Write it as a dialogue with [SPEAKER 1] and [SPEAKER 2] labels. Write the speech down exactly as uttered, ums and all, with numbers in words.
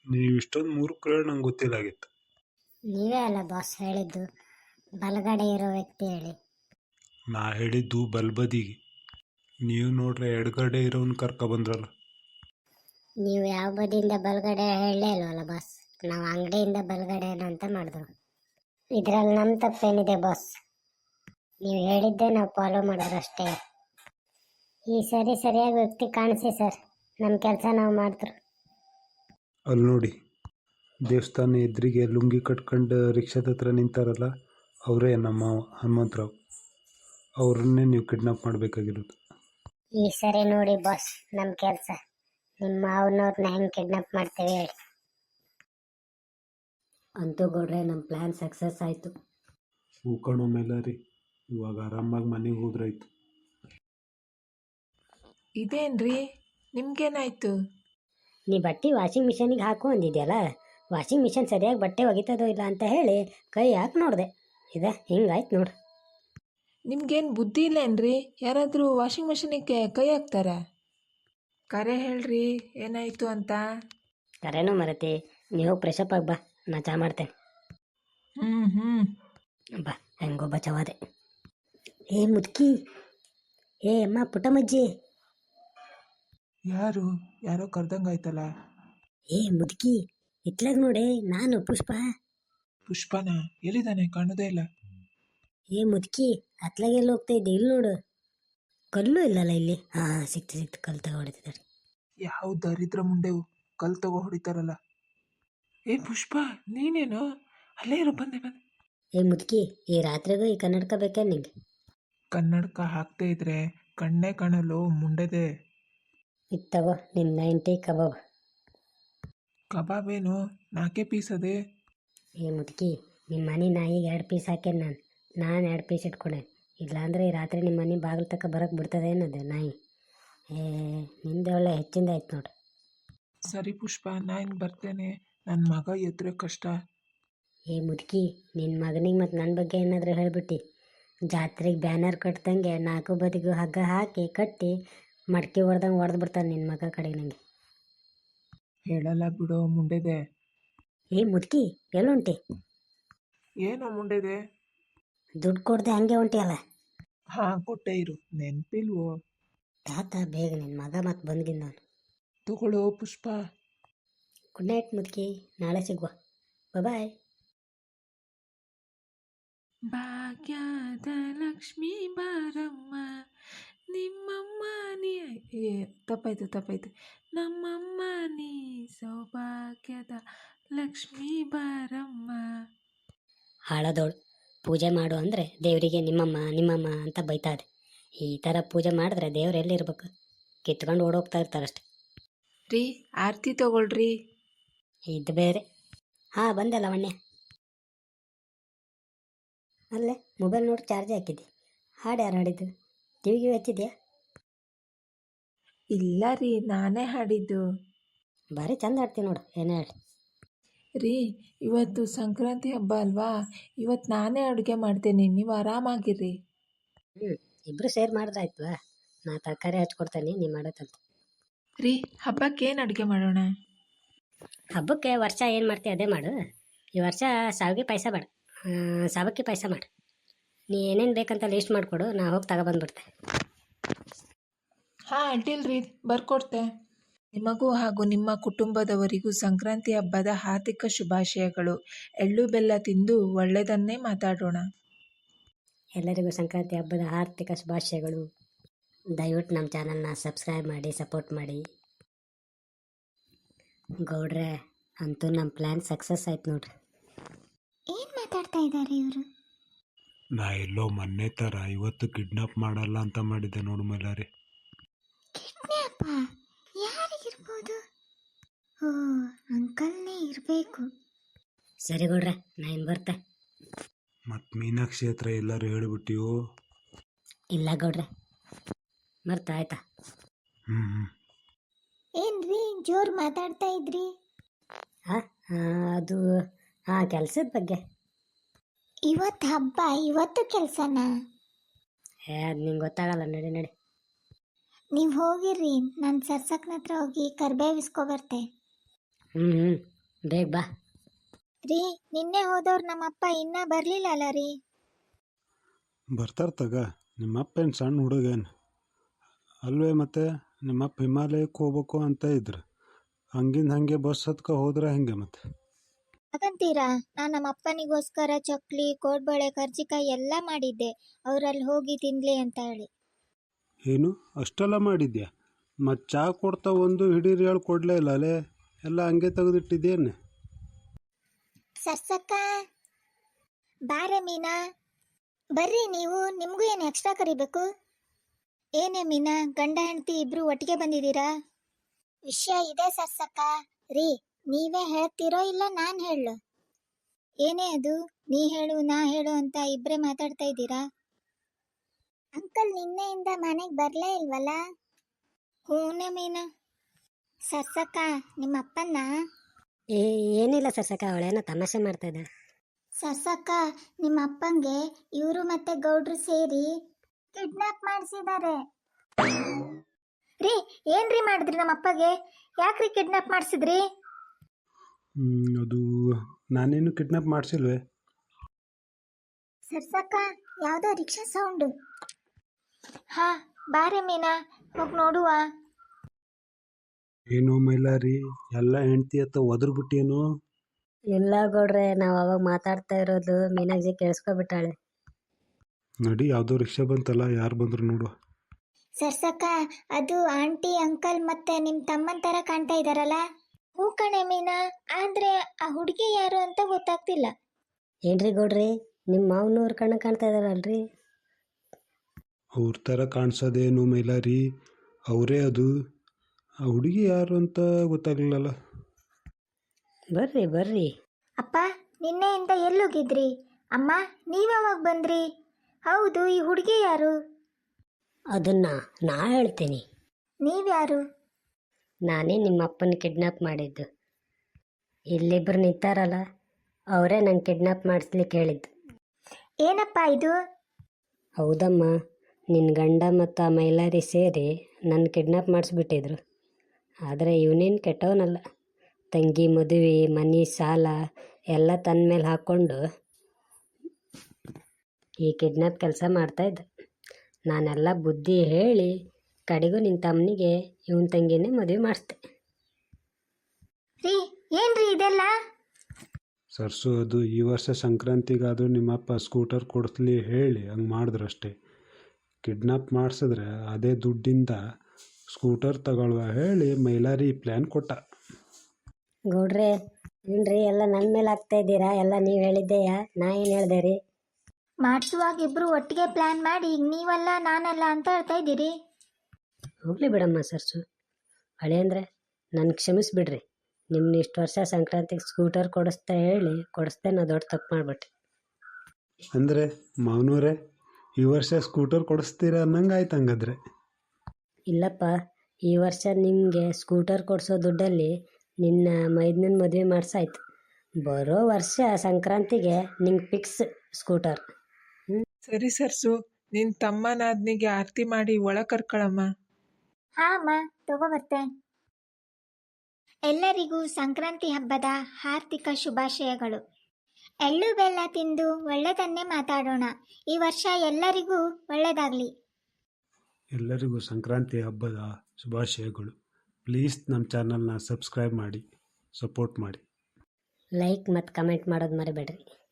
[SPEAKER 1] ನೀವು ಇಷ್ಟೊಂದು ಮೂರ್ಖರು ನಂಗೆ ಗೊತ್ತಿಲ್ಲಾಗಿತ್ತು.
[SPEAKER 2] ನೀವೇ ಅಲ್ಲ ಬಾಸ್ ಹೇಳಿದ್ದು ಬಲಗಡೆ ಇರೋ ವ್ಯಕ್ತಿ ಹೇಳಿ.
[SPEAKER 1] ನಾ ಹೇಳಿದ್ದು ಬಲ್ಬದಿಗೆ, ನೀವು ನೋಡ್ರೆ ಎಡಗಡೆ ಇರೋನ್ ಕರ್ಕ ಬಂದ್ರಲ್ಲ.
[SPEAKER 2] ನೀವು ಯಾವ ಬದಿಯಿಂದ ಬಲಗಡೆ ಹೇಳಲೇ ಇಲ್ವಲ್ಲ ಬಾಸ್. ನಾವು ಅಂಗಡಿಯಿಂದ ಬಲಗಡೆ ಅಂತ ಮಾಡಿದ್ರು. ಇದರಲ್ಲಿ ನಮ್ಮ ತಪ್ಪೇನಿದೆ ಬಾಸ್? ನೀವು ಹೇಳಿದ್ದೆ ನಾವು ಫಾಲೋ ಮಾಡಿದ್ರು ಅಷ್ಟೇ. ಈ ಸರಿ ಸರಿಯಾಗಿ ವ್ಯಕ್ತಿ ಕಾಣಿಸಿ ಸರ್, ನಮ್ಮ ಕೆಲಸ ನಾವು ಮಾಡಿದ್ರು.
[SPEAKER 1] ಅಲ್ಲಿ ನೋಡಿ, ದೇವಸ್ಥಾನ ಎದುರಿಗೆ ಲುಂಗಿ ಕಟ್ಕೊಂಡು ರಿಕ್ಷಾದ ಹತ್ರ ನಿಂತಾರಲ್ಲ, ಅವರೇ ನಮ್ಮ ಹನುಮಂತರಾವ್. ಅವ್ರನ್ನೇ ನೀವು ಕಿಡ್ನಾಪ್ ಮಾಡಬೇಕಾಗಿರೋದು.
[SPEAKER 2] ಈ ಸರಿ ನೋಡಿ ಬಾಸ್, ನಮ್ಮ ಕೆಲಸ ನಿಮ್ಮ ಅವನವ್ರನ್ನ ಹೆಂಗೆ ಕಿಡ್ನಾಪ್ ಮಾಡ್ತೇವೆ ಹೇಳಿ.
[SPEAKER 3] ಅಂತೂ ಗೌಡ್ರೆ ನಮ್ಮ ಪ್ಲ್ಯಾನ್ ಸಕ್ಸಸ್ ಆಯಿತು.
[SPEAKER 1] ಹೂಕಣೋ ಮೇಲೆ ರೀ, ಇವಾಗ ಆರಾಮಾಗಿ ಮನೆಗೆ ಹೋದ್ರಾಯ್ತು.
[SPEAKER 4] ಇದೇನ್ರಿ ನಿಮ್ಗೇನಾಯ್ತು?
[SPEAKER 3] ನೀ ಬಟ್ಟೆ ವಾಷಿಂಗ್ ಮಿಷನಿಗೆ ಹಾಕು ಅಂದಿದ್ಯಲ್ಲ, ವಾಷಿಂಗ್ ಮಿಷನ್ ಸರಿಯಾಗಿ ಬಟ್ಟೆ ಒಗಿತದೋ ಇಲ್ಲ ಅಂತ ಹೇಳಿ ಕೈ ಹಾಕಿ ನೋಡಿದೆ, ಇದ ಹಿಂಗಾಯ್ತು ನೋಡು.
[SPEAKER 4] ನಿಮ್ಗೇನು ಬುದ್ಧಿ ಇಲ್ಲೇನ್ರಿ? ಯಾರಾದರೂ ವಾಷಿಂಗ್ ಮಿಷನಿಗೆ ಕೈ ಹಾಕ್ತಾರ? ಕರೆ ಹೇಳ್ರಿ ಏನಾಯಿತು ಅಂತ.
[SPEAKER 3] ಕರೆನೋ ಮರತಿ, ನೀವು ಫ್ರೆಶಪ್ ಆಗಿ ಬಾ, ನಾ ಚಾ ಮಾಡ್ತೇನೆ.
[SPEAKER 4] ಹ್ಞೂ ಹ್ಞೂ
[SPEAKER 3] ಬಾ, ಹೆಂಗೋ ಬಚಾವಾದೆ. ಏ ಮುದುಕಿ, ಏ ಅಮ್ಮ ಪುಟ್ಟಮ್ಮಜ್ಜಿ.
[SPEAKER 4] ಯಾರು ಯಾರೋ ಕರ್ದಂಗಾಯ್ತಲ್ಲ.
[SPEAKER 3] ಏ ಮುದುಕಿ, ಇತ್ಲಾಗ ನೋಡೆ, ನಾನು ಪುಷ್ಪ.
[SPEAKER 4] ಪುಷ್ಪನ ಎಲ್ಲಿದ್ದಾನೆ? ಕಾಣೋದೇ ಇಲ್ಲ.
[SPEAKER 3] ಏ ಮುದುಕಿ, ಅತ್ಲಾಗೆಲ್ಲ ಹೋಗ್ತಾ ಇದ್ದೆ, ಇಲ್ಲಿ ನೋಡು. ಕಲ್ಲು ಇಲ್ಲಲ್ಲ ಇಲ್ಲಿ. ಹಾಂ ಸಿಕ್ತು ಸಿಕ್ತು, ಕಲ್ಲು ತಗೋ ಹೊಡಿತಿದ್ದಾರೆ.
[SPEAKER 4] ಯಾವ ದರಿದ್ರ ಮುಂಡೆವು ಕಲ್ ತಗೋ ಹೊಡಿತಾರಲ್ಲ. ಏ ಪುಷ್ಪ, ನೀನೇನು? ಅಲ್ಲೇ ಇರು, ಬಂದೆ ಬಂದೆ.
[SPEAKER 3] ಏ ಮುದುಕಿ, ಈ ರಾತ್ರಿಗೂ ಈ ಕನ್ನಡಕ ಬೇಕಾ ನಿಂಗೆ?
[SPEAKER 4] ಕನ್ನಡಕ ಹಾಕ್ದೇ ಇದ್ರೆ ಕಣ್ಣೇ ಕಾಣಲು ಮುಂಡೆದೆ.
[SPEAKER 3] ಇದು ತಗೋ ನಿನ್ನ ನೈಂಟಿ ಕಬಾಬ್.
[SPEAKER 4] ಕಬಾಬ್ ಏನು ನಾಲ್ಕೇ ಪೀಸ್ ಅದೇ?
[SPEAKER 3] ಏ ಮುದುಕಿ, ನಿಮ್ಮ ಮನೆ ನಾಯಿಗೆ ಎರಡು ಪೀಸ್ ಹಾಕೇನೆ ನಾನು ನಾನು ಎರಡು ಪೀಸ್ ಇಟ್ಕೊಂಡೆ. ಇಲ್ಲಾಂದರೆ ಈ ರಾತ್ರಿ ನಿಮ್ಮ ಮನೆ ಬಾಗಿಲು ತಕ್ಕ ಬರೋಕ್ಕೆ ಬಿಡ್ತದೆ ಏನದು ನಾಯಿ. ಏ ನಿಂದೆ ಒಳ್ಳೆ ಹೆಚ್ಚಿಂದ ಆಯ್ತು ನೋಡ್ರಿ.
[SPEAKER 4] ಸರಿ ಪುಷ್ಪ, ನಾನು ಬರ್ತೇನೆ. ನನ್ನ ಮಗ ಎದ್ರೆ ಕಷ್ಟ.
[SPEAKER 3] ಏ ಮುದುಕಿ, ನಿನ್ನ ಮಗನಿಗೆ ಮತ್ತು ನನ್ನ ಬಗ್ಗೆ ಏನಾದರೂ ಹೇಳಿಬಿಟ್ಟು ಜಾತ್ರೆಗೆ ಬ್ಯಾನರ್ ಕಟ್ದಂಗೆ ನಾಲ್ಕು ಬದಿಗೂ ಹಗ್ಗ ಹಾಕಿ ಕಟ್ಟಿ ಮಡ್ಕೆ ಹೊಡೆದಂಗೆ ಹೊಡೆದು ಬಿಡ್ತಾನೆ ನಿನ್ನ ಮಗ ಕಡೆಗೆ ನನಗೆ.
[SPEAKER 4] ಹೇಳಲ್ಲ ಬಿಡೋ ಮುಂಡೆದೆ.
[SPEAKER 3] ಏ ಮುದುಕಿ, ಎಲ್ಲುಂಟಿ?
[SPEAKER 4] ಏನೋ ಮುಂಡೆದೆ?
[SPEAKER 3] ದುಡ್ಡು ಕೊಡದೆ ಹಂಗೆ ಹೊಂಟಿಯಲ್ಲ.
[SPEAKER 4] ಹಾಂ ಕೊಟ್ಟೆ ಇರು, ನೆನಪಿಲ್ವೋ?
[SPEAKER 3] ತಾತ ಬೇಗ, ನಿನ್ನ ಮಗ ಮತ್ತು ಬಂದ್ಗಿಂದ ನಾನು.
[SPEAKER 4] ತಗೊಳ್ಳೋ ಪುಷ್ಪ.
[SPEAKER 3] ಗುಡ್ ನೈಟ್ ಮುದುಕಿ, ನಾಳೆ ಸಿಗುವ. ಬಾಯ್.
[SPEAKER 4] ಭಾಗ್ಯದ ಲಕ್ಷ್ಮೀ ಬಾರಮ್ಮ ನಿಮ್ಮಮ್ಮ ನೀ ಏ ತಪ್ಪಾಯ್ತು ತಪ್ಪಾಯ್ತು ನಮ್ಮಮ್ಮ ನೀ ಸೌಭಾಗ್ಯದ ಲಕ್ಷ್ಮೀ ಬಾರಮ್ಮ.
[SPEAKER 3] ಹಾಳದೋಳು, ಪೂಜೆ ಮಾಡು ಅಂದರೆ ದೇವರಿಗೆ ನಿಮ್ಮಮ್ಮ ನಿಮ್ಮಮ್ಮ ಅಂತ ಬೈತಾದೆ. ಈ ಥರ ಪೂಜೆ ಮಾಡಿದ್ರೆ ದೇವ್ರು ಎಲ್ಲಿರ್ಬೇಕು? ಕಿತ್ಕೊಂಡು ಓಡೋಗ್ತಾ ಇರ್ತಾರಷ್ಟೆ.
[SPEAKER 4] ರೀ ಆರತಿ ತಗೊಳ್ರಿ.
[SPEAKER 3] ಇದು ಬೇರೆ. ಹಾಂ ಬಂದೆ ಲವಣ್ಯ. ಅಲ್ಲೇ ಮೊಬೈಲ್ ನೋಡಿ ಚಾರ್ಜ್ ಹಾಕಿದ್ದೆ. ಹಾಡು ಯಾರು ಹಾಡಿದ್ದು? ಟಿವಿಗೆ ಹಚ್ಚಿದ್ಯಾ?
[SPEAKER 4] ಇಲ್ಲ ರೀ, ನಾನೇ ಹಾಡಿದ್ದು.
[SPEAKER 3] ಭಾರಿ ಚಂದ ಹಾಡ್ತೀನಿ ನೋಡು, ಏನೇ ಹೇಳಿ.
[SPEAKER 4] ರೀ ಇವತ್ತು ಸಂಕ್ರಾಂತಿ ಹಬ್ಬ ಅಲ್ವಾ, ಇವತ್ತು ನಾನೇ ಅಡುಗೆ ಮಾಡ್ತೇನೆ, ನೀವು ಆರಾಮಾಗಿರ್ರಿ.
[SPEAKER 3] ಹ್ಞೂ, ಇಬ್ಬರು ಸೇರ್ ಮಾಡಿದ್ರಾಯ್ತು. ನಾ ತರಕಾರಿ ಹಚ್ಕೊಡ್ತೇನೆ, ನೀವು ಮಾಡೋಕ್ಕಂತ.
[SPEAKER 4] ರೀ ಹಬ್ಬಕ್ಕೆ ಏನು ಅಡುಗೆ ಮಾಡೋಣ?
[SPEAKER 3] ಹಬ್ಬಕ್ಕೆ ವರ್ಷ ಏನು ಮಾಡ್ತೀವಿ ಅದೇ ಮಾಡು. ಈ ವರ್ಷ ಸಾವಿಗೆ ಪಾಯಸ ಬೇಡ, ಸಾವಕ್ಕಿ ಪಾಯಸ ಮಾಡು. ನೀ ಏನೇನು ಬೇಕಂತ ಲೀಸ್ಟ್ ಮಾಡಿಕೊಡು, ನಾ ಹೋಗಿ ತಗೊಬಂದ್ಬಿಡ್ತೆ.
[SPEAKER 4] ಹಾಂ ಅಡ್ಡಿಲ್ರಿ, ಬರ್ಕೊಡ್ತೆ. ನಿಮಗೂ ಹಾಗೂ ನಿಮ್ಮ ಕುಟುಂಬದವರಿಗೂ ಸಂಕ್ರಾಂತಿ ಹಬ್ಬದ ಹಾರ್ದಿಕ ಶುಭಾಶಯಗಳು. ಎಳ್ಳು ಬೆಲ್ಲ ತಿಂದು ಒಳ್ಳೆಯದನ್ನೇ ಮಾತಾಡೋಣ.
[SPEAKER 3] ಎಲ್ಲರಿಗೂ ಸಂಕ್ರಾಂತಿ ಹಬ್ಬದ ಆರ್ಥಿಕ ಶುಭಾಶಯಗಳು. ದಯವಿಟ್ಟು ನಮ್ಮ ಚಾನಲ್ನ ಸಬ್ಸ್ಕ್ರೈಬ್ ಮಾಡಿ, ಸಪೋರ್ಟ್ ಮಾಡಿ. ಗೌಡ್ರೆ, ಅಂತೂ ನಮ್ಮ ಪ್ಲ್ಯಾನ್ ಸಕ್ಸಸ್ ಆಯ್ತು ನೋಡ್ರಿ.
[SPEAKER 2] ಏನು ಮಾತಾಡ್ತಾ ಇದ್ದಾರೆ ಇವರು?
[SPEAKER 1] ನಾ ಎಲ್ಲೋ ಮೊನ್ನೆ ಥರ ಇವತ್ತು ಕಿಡ್ನಾಪ್ ಮಾಡಲ್ಲ ಅಂತ ಮಾಡಿದ್ದೆ ನೋಡು ಮೈಲಾರಿ.
[SPEAKER 2] ಕಿಡ್ನಾಪ? ಯಾರಿಗಿರ್ಬೋದು? ಓ, ಅಂಕಲ್ನೇ ಇರಬೇಕು.
[SPEAKER 3] ಸರಿ ಗೌಡ್ರೆ, ನಾ ಇನ್ನು ಬರ್ತೆ.
[SPEAKER 1] ಮತ್ತು ಮೀನಾಕ್ಷಿ ಹತ್ರ ಎಲ್ಲರೂ ಹೇಳಿಬಿಟ್ಟಿವೋ?
[SPEAKER 3] ಇಲ್ಲ ಗೌಡ್ರೆ, ಮರ್ತ ಆಯ್ತಾ?
[SPEAKER 1] ಹ್ಞೂ ಹ್ಞೂ
[SPEAKER 2] ಏನ್ರಿ ಜೋರು ಮಾತಾಡ್ತಾ ಇದ್ರಿ?
[SPEAKER 3] ಹಾಂ ಅದು ಹಾಂ ಕೆಲಸದ ಬಗ್ಗೆ.
[SPEAKER 2] ಇವತ್ತು ಹಬ್ಬ, ಇವತ್ತು ಕೆಲಸನಾ?
[SPEAKER 3] ಏ ಅದು ನಿಂಗೆ ಗೊತ್ತಾಗಲ್ಲ, ನಡಿ ನಡಿ.
[SPEAKER 2] ನೀವು ಹೋಗಿರ್ರಿ, ನಾನು ಸರ್ಸಕ್ನ ಹತ್ರ ಹೋಗಿ ಕರ್ಬೇವಿಸ್ಕೊ ಬರ್ತೆ.
[SPEAKER 3] ಹ್ಞೂ ಹ್ಞೂ ಬೇಗ ಬಾ.
[SPEAKER 5] ರೀ ನಿನ್ನೆ ಹೋದವ್ರು ನಮ್ಮಪ್ಪ ಇನ್ನೂ ಬರಲಿಲ್ಲ ಅಲ್ಲ ರೀ.
[SPEAKER 1] ಬರ್ತಾರೆ ತಗ, ನಿಮ್ಮಪ್ಪ ಏನು ಸಣ್ಣ ಹುಡುಗೇನು ಅಲ್ವೇ? ಮತ್ತೆ ನಿಮ್ಮಪ್ಪ ಹಿಮಾಲಯಕ್ಕೆ ಹೋಗ್ಬೇಕು ಅಂತ ಇದ್ರು, ಹಂಗಿಂದ ಹಾಗೆ ಬಸ್ ಹತ್ಕ ಹೋದ್ರೆ ಹೆಂಗೆ ಮತ್ತೆ?
[SPEAKER 5] ಹಾಗಂತೀರಾ? ನಾನು ನಮ್ಮ ಅಪ್ಪನಿಗೋಸ್ಕರ ಚಕ್ಲಿ, ಕೋಡ್ಬಳೆ, ಕರ್ಜಿಕಾಯಿ ಎಲ್ಲ ಮಾಡಿದ್ದೆ, ಅವರಲ್ಲಿ ಹೋಗಿ ತಿನ್ಲಿ ಅಂತ ಹೇಳಿ.
[SPEAKER 1] ಏನು ಅಷ್ಟೆಲ್ಲ ಮಾಡಿದ್ಯಾ? ಮತ್ತು ಚಹಾ ಕೊಡ್ತಾ ಒಂದು ಹಿಡೀರಿ ಹೇಳಿ ಕೊಡಲೇ ಇಲ್ಲ ಅಲ್ಲೇ, ಎಲ್ಲ ಹಂಗೆ ತೆಗೆದಿಟ್ಟಿದ್ದೇನೆ.
[SPEAKER 5] ಸರ್ಸಕ್ಕ ಬಾರೆ ಮೀನಾ, ಬರ್ರಿ ನೀವು, ನಿಮಗೂ ಏನು ಎಕ್ಸ್ಟ್ರಾ ಕರಿಬೇಕು? ಏನೇ ಮೀನಾ, ಗಂಡ ಹೆಂಡತಿ ಇಬ್ರು ಒಟ್ಟಿಗೆ ಬಂದಿದ್ದೀರಾ? ವಿಷಯ ಇದೆ ಸರ್ಸಕ್ಕ. ರೀ ನೀವೇ ಹೇಳ್ತೀರೋ ಇಲ್ಲ ನಾನು ಹೇಳು? ಏನೇ ಅದು, ನೀ ಹೇಳು ನಾ ಹೇಳು ಅಂತ ಇಬ್ಬರೇ ಮಾತಾಡ್ತಾ ಇದ್ದೀರಾ? ಅಂಕಲ್ ನಿನ್ನೆಯಿಂದ ಮನೆಗೆ ಬರಲೇ ಇಲ್ವಲ್ಲ? ಹೂನೇ ಮೀನಾ. ಸರ್ಸಕ್ಕ ನಿಮ್ಮ ಅಪ್ಪನ್ನ
[SPEAKER 3] ಏ ಏನಿಲ್ಲ ಸರ್ಸಕ್ಕ, ಅವಳೇನೋ ತಮಾಷೆ ಮಾಡ್ತಾ ಇದ್ದಾಳೆ.
[SPEAKER 5] ಸರ್ಸಕ್ಕ ನಿಮ್ಮ ಅಪ್ಪಂಗೆ ಇವರು ಮತ್ತೆ ಗೌಡ್ರು ಸೇರಿ ಕಿಡ್ನಾಪ್ ಮಾಡಿಸಿದ್ದಾರೆ. ರೀ ಏನ್ರಿ ಮಾಡಿದ್ರಿ ನಮ್ಮ ಅಪ್ಪಗೆ? ಯಾಕ್ರಿ ಕಿಡ್ನಾಪ್ ಮಾಡಿಸಿದ್ರಿ?
[SPEAKER 1] ಹ್ಮ್, ಅದು ನಾನೇನು ಕಿಡ್ನಾಪ್ ಮಾಡಿಸಿಲ್ವೇ?
[SPEAKER 5] ಸರ್ಸಕ್ಕ ಯಾವುದೋ ರಿಕ್ಷಾ ಸೌಂಡು. ಹಾ ಬಾರೆ ಮೀನಾ, ಹೋಗಿ ನೋಡುವ.
[SPEAKER 1] ಏನೋ ಮೈಲಾರಿ, ಎಲ್ಲ ಹೆಂಡ್ತಿ ಹತ್ತ ಒದ್ರ ಬಿಟ್ಟೇನು?
[SPEAKER 3] ಇಲ್ಲ ಗೌಡ್ರೆ, ನಾವು ಅವಾಗ ಮಾತಾಡ್ತಾ ಇರೋದು ಮೀನಾಕ್ಷಿ ಕೇಳಿಸ್ಕೊಬಿಟ್ಟಾಳೆ.
[SPEAKER 1] ನಡಿ, ಯಾವುದೋ ರಿಕ್ಷಾ ಬಂತಲ್ಲ, ಯಾರು ಬಂದ್ರು ನೋಡು.
[SPEAKER 5] ಸರ್ಸಕ್ಕ ಅದು ಆಂಟಿ ಅಂಕಲ್ ಮತ್ತೆ ನಿಮ್ಮ ತಮ್ಮನ ಥರ ಕಾಣ್ತಾ ಇದ್ದಾರಲ್ಲ? ಹೂ ಕಣೆ ಮೀನಾ, ಆದ್ರೆ ಆ ಹುಡುಗಿ ಯಾರು ಅಂತ ಗೊತ್ತಾಗ್ತಿಲ್ಲ.
[SPEAKER 3] ಏನ್ರಿ ಗೌಡ್ರಿ, ನಿಮ್ಮ ಮಾವನವ್ರ ಕಣ್ಣ ಕಾಣ್ತಾ ಇದಾರಲ್ರಿ?
[SPEAKER 1] ಅವ್ರ ಥರ ಕಾಣಿಸೋದೇನು ಮೈಲಾರಿ, ಅವರೇ ಅದು. ಆ ಹುಡುಗಿ ಯಾರು ಅಂತ ಗೊತ್ತಾಗ್ಲಿಲ್ಲಲ್ಲ.
[SPEAKER 3] ಬರ್ರಿ ಬರ್ರಿ.
[SPEAKER 5] ಅಪ್ಪ ನಿನ್ನೆಯಿಂದ ಎಲ್ಲೋಗಿದ್ರಿ? ಅಮ್ಮ ನೀವ್ಯಾವಾಗ ಬಂದ್ರಿ? ಹೌದು, ಈ ಹುಡುಗಿ ಯಾರು?
[SPEAKER 3] ಅದನ್ನ ನಾ ಹೇಳ್ತೀನಿ.
[SPEAKER 5] ನೀವ್ಯಾರು?
[SPEAKER 3] ನಾನೇ ನಿಮ್ಮ ಅಪ್ಪನ ಕಿಡ್ನಾಪ್ ಮಾಡಿದ್ದು. ಇಲ್ಲಿಬ್ರು ನಿಂತಾರಲ್ಲ, ಅವರೇ ನಂಗೆ ಕಿಡ್ನಾಪ್ ಮಾಡಿಸ್ಲಿಕ್ಕೆ ಹೇಳಿದ್ದು.
[SPEAKER 5] ಏನಪ್ಪ ಇದು?
[SPEAKER 3] ಹೌದಮ್ಮ, ನಿನ್ನ ಗಂಡ ಮತ್ತು ಆ ಮೈಲಾರಿ ಸೇರಿ ನನ್ನ ಕಿಡ್ನಾಪ್ ಮಾಡಿಸ್ಬಿಟ್ಟಿದ್ರು. ಆದರೆ ಇವನೇನು ಕೆಟ್ಟವನಲ್ಲ. ತಂಗಿ ಮದುವೆ, ಮನೆ ಸಾಲ ಎಲ್ಲ ತನ್ನ ಮೇಲೆ ಹಾಕ್ಕೊಂಡು ಈ ಕಿಡ್ನಾಪ್ ಕೆಲಸ ಮಾಡ್ತಾಯಿದ್ದ. ನಾನೆಲ್ಲ ಬುದ್ಧಿ ಹೇಳಿ ಕಡೆಗೂ ನಿನ್ನ ತಮ್ಮನಿಗೆ ಇವನ ತಂಗಿನೇ ಮದುವೆ ಮಾಡಿಸ್ದೆ.
[SPEAKER 5] ರೀ ಏನ್ರಿ ಇದೆಲ್ಲ?
[SPEAKER 1] ಸರ್ಸು, ಅದು ಈ ವರ್ಷ ಸಂಕ್ರಾಂತಿಗಾದರೂ ನಿಮ್ಮಪ್ಪ ಸ್ಕೂಟರ್ ಕೊಡಿಸ್ಲಿ ಹೇಳಿ ಹಂಗೆ ಮಾಡಿದ್ರು ಅಷ್ಟೇ. ಕಿಡ್ನಾಪ್ ಮಾಡಿಸಿದ್ರೆ ಅದೇ ದುಡ್ಡಿಂದ ಸ್ಕೂಟರ್ ತಗೊಳ್ಳುವ ಹೇಳಿ ಮೈಲಾರಿ ಪ್ಲ್ಯಾನ್ ಕೊಟ್ಟ.
[SPEAKER 3] ಗೌಡ್ರೆ ಏನ್ರಿ ಎಲ್ಲ ನನ್ನ ಮೇಲೆ ಹಾಕ್ತಾ ಇದ್ದೀರಾ? ಎಲ್ಲ ನೀವು ಹೇಳಿದ್ದೆಯಾ? ನಾ ಏನು ಹೇಳ್ದೆ ರೀ?
[SPEAKER 5] ಮಾಡಿಸುವಾಗ ಇಬ್ರು ಒಟ್ಟಿಗೆ ಪ್ಲಾನ್ ಮಾಡಿ ಈಗ ನೀವಲ್ಲ ನಾನಲ್ಲ ಅಂತ ಹೇಳ್ತಾ ಇದ್ದೀರಿ.
[SPEAKER 3] ಹೋಗಲಿ ಬಿಡಮ್ಮ ಸರ್ಸು. ಹಳೆ ಅಂದರೆ ನನ್ನ ಕ್ಷಮಿಸ್ಬಿಡ್ರಿ. ನಿಮ್ಮನ್ನ ಇಷ್ಟು ವರ್ಷ ಸಂಕ್ರಾಂತಿಗೆ ಸ್ಕೂಟರ್ ಕೊಡಿಸ್ತಾ ಹೇಳಿ ಕೊಡಿಸ್ದೆ ನಾ ದೊಡ್ಡ ತಪ್ಪು ಮಾಡಿಬಿಟ್ಟೆ.
[SPEAKER 1] ಅಂದರೆ ಮಾವನವರೇ, ಈ ವರ್ಷ ಸ್ಕೂಟರ್ ಕೊಡಿಸ್ತೀರ ಅನ್ನಂಗೆ ಆಯ್ತು ಹಂಗಾದ್ರೆ.
[SPEAKER 3] ಇಲ್ಲಪ್ಪ, ಈ ವರ್ಷ ನಿಮಗೆ ಸ್ಕೂಟರ್ ಕೊಡಿಸೋ ದುಡ್ಡಲ್ಲಿ ನಿನ್ನ ಮೈದನನ್ನ ಮದುವೆ ಮಾಡಿಸಾಯ್ತು. ಬರೋ ವರ್ಷ ಸಂಕ್ರಾಂತಿಗೆ ನಿಂಗೆ ಫಿಕ್ಸ್ ಸ್ಕೂಟರ್.
[SPEAKER 4] ಸರಿ ಸರ್ಸು, ನಿನ್ನ ತಮ್ಮ ನಾದ್ನಿಗೆ ಆರತಿ ಮಾಡಿ ಒಳ ಕರ್ಕೊಳಮ್ಮ.
[SPEAKER 5] ಹಾ ಅಮ್ಮ, ತಗೋಬರ್ತೆ. ಎಲ್ಲರಿಗೂ ಸಂಕ್ರಾಂತಿ ಹಬ್ಬದ ಹಾರ್ದಿಕ ಶುಭಾಶಯಗಳು. ಎಳ್ಳು ಬೆಲ್ಲ ತಿಂದು ಒಳ್ಳೆದನ್ನೇ ಮಾತಾಡೋಣ. ಈ ವರ್ಷ ಎಲ್ಲರಿಗೂ ಒಳ್ಳೆಯದಾಗಲಿ.
[SPEAKER 1] ಎಲ್ಲರಿಗೂ ಸಂಕ್ರಾಂತಿ ಹಬ್ಬದ ಶುಭಾಶಯಗಳು. ಪ್ಲೀಸ್ ನಮ್ಮ ಚಾನಲ್ನ ಸಬ್ಸ್ಕ್ರೈಬ್ ಮಾಡಿ, ಸಪೋರ್ಟ್ ಮಾಡಿ.
[SPEAKER 3] ಲೈಕ್ ಮತ್ತು ಕಮೆಂಟ್ ಮಾಡೋದು ಮರಿಬೇಡ್ರಿ.